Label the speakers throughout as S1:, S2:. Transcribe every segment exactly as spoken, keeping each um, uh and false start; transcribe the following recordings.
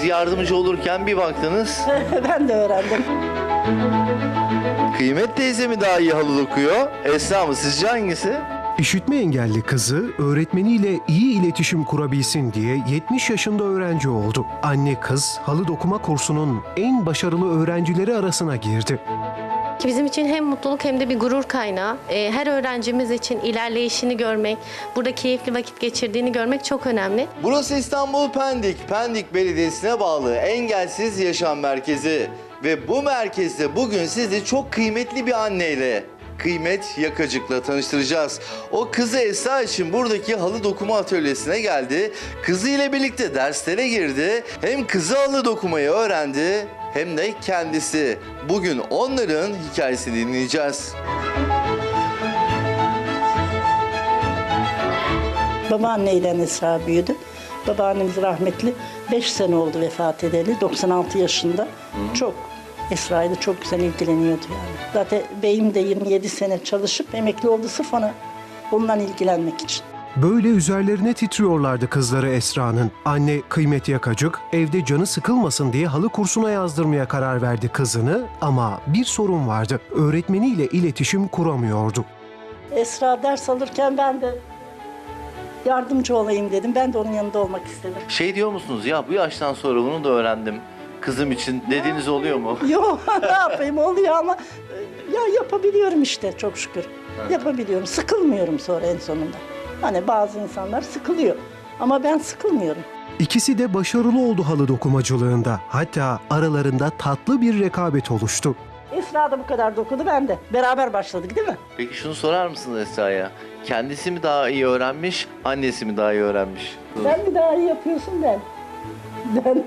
S1: yardımcı olurken bir baktınız.
S2: Ben de öğrendim.
S1: Kıymet teyze mi daha iyi halı dokuyor? Esra mı? Sizce hangisi?
S3: İşitme engelli kızı öğretmeniyle iyi iletişim kurabilsin diye yetmiş yaşında öğrenci oldu. Anne kız halı dokuma kursunun en başarılı öğrencileri arasına girdi.
S4: Bizim için hem mutluluk hem de bir gurur kaynağı. Ee, Her öğrencimiz için ilerleyişini görmek, burada keyifli vakit geçirdiğini görmek çok önemli.
S1: Burası İstanbul Pendik. Pendik Belediyesi'ne bağlı Engelsiz Yaşam Merkezi. Ve bu merkezde bugün sizi çok kıymetli bir anneyle, Kıymet Yakacık'la tanıştıracağız. O kızı Esra için buradaki halı dokuma atölyesine geldi. Kızı ile birlikte derslere girdi. Hem kızı halı dokumayı öğrendi hem de kendisi. Bugün onların hikayesini dinleyeceğiz.
S2: Babaanneyle Esra büyüdü. Babaannemiz rahmetli. beş sene oldu vefat edeli. doksan altı yaşında. Hı. Çok Esra'yla çok güzel ilgileniyordu yani. Zaten beyim de yirmi yedi sene çalışıp emekli oldu sırf ona bundan ilgilenmek için.
S3: Böyle üzerlerine titriyorlardı kızları Esra'nın. Anne Kıymet Yakacık evde canı sıkılmasın diye halı kursuna yazdırmaya karar verdi kızını ama bir sorun vardı. Öğretmeniyle iletişim kuramıyordu.
S2: Esra ders alırken ben de yardımcı olayım dedim. Ben de onun yanında olmak istedim.
S1: Şey diyor musunuz ya, bu yaştan sonra bunu da öğrendim kızım için dediğiniz oluyor mu?
S2: Yok ne yapayım, oluyor ama ya yapabiliyorum işte çok şükür. Yapabiliyorum. Sıkılmıyorum sonra en sonunda. Hani bazı insanlar sıkılıyor ama ben sıkılmıyorum.
S3: İkisi de başarılı oldu halı dokumacılığında. Hatta aralarında tatlı bir rekabet oluştu.
S2: Esra da bu kadar dokudu, ben de. Beraber başladık değil mi?
S1: Peki şunu sorar mısınız Esra'ya? Kendisi mi daha iyi öğrenmiş, annesi mi daha iyi öğrenmiş?
S2: Sen mi daha iyi yapıyorsun ben? Ben.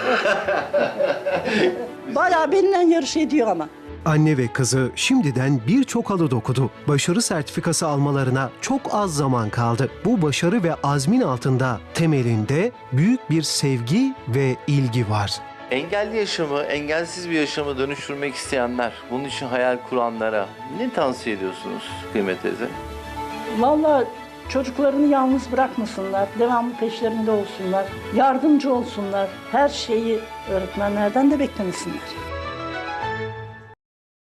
S2: Bayağı benimle yarış ediyor ama.
S3: Anne ve kızı şimdiden birçok halı dokudu. Başarı sertifikası almalarına çok az zaman kaldı. Bu başarı ve azmin altında temelinde büyük bir sevgi ve ilgi var.
S1: Engelli yaşamı, engelsiz bir yaşamı dönüştürmek isteyenler, bunun için hayal kuranlara ne tavsiye ediyorsunuz Kıymet teyze?
S2: Vallahi çocuklarını yalnız bırakmasınlar, devamlı peşlerinde olsunlar, yardımcı olsunlar. Her şeyi öğretmenlerden de beklemesinler.